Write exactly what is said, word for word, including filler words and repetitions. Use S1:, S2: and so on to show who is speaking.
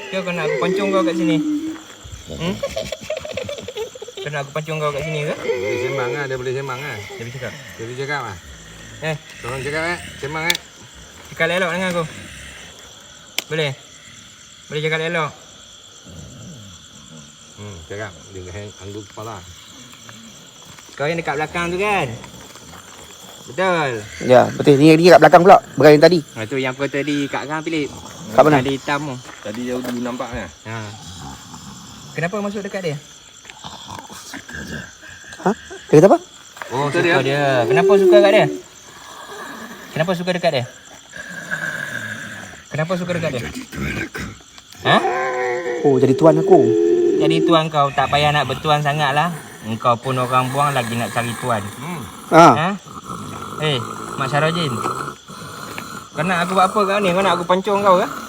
S1: Ke kau nak aku pancung kau kat sini? Hmm? Kau nak aku pancung kau kat sini ke?
S2: Boleh sembang lah, dia boleh sembang lah.
S1: Dia boleh cakap.
S2: Dia boleh cakap lah.
S1: Eh,
S2: Tolong cakap eh, sembang eh.
S1: cakap elok dengan aku. Boleh? Boleh cakap elok?
S2: Hmm, cakap. Dia hang anggur kepala.
S1: Kau yang dekat belakang tu kan? Betul.
S3: Ya, betul. Ni ni kat belakang pula. Berai yang tadi.
S1: Ha, tu yang kau tadi kat kang Philip.
S3: Kat mana?
S1: Ada hitam tu.
S2: Tadi jauh dulu nampak kan?
S1: Ha. Kenapa masuk dekat dia?
S3: Ha? Dia kata apa?
S1: Oh, suka dia. dia. Kenapa suka kat dia? Kenapa suka dekat dia? Kenapa suka dekat dia? Ha?
S3: Oh, jadi tuan aku.
S1: Jadi tuan kau tak payah nak bertuan sangat lah. Engkau pun orang buang lagi nak cari tuan.
S2: Hmm.
S3: Ha.
S1: Ha? Eh, Mak Syarojin. Kau nak aku buat apa kau ni? Kau nak aku pancung kau ke?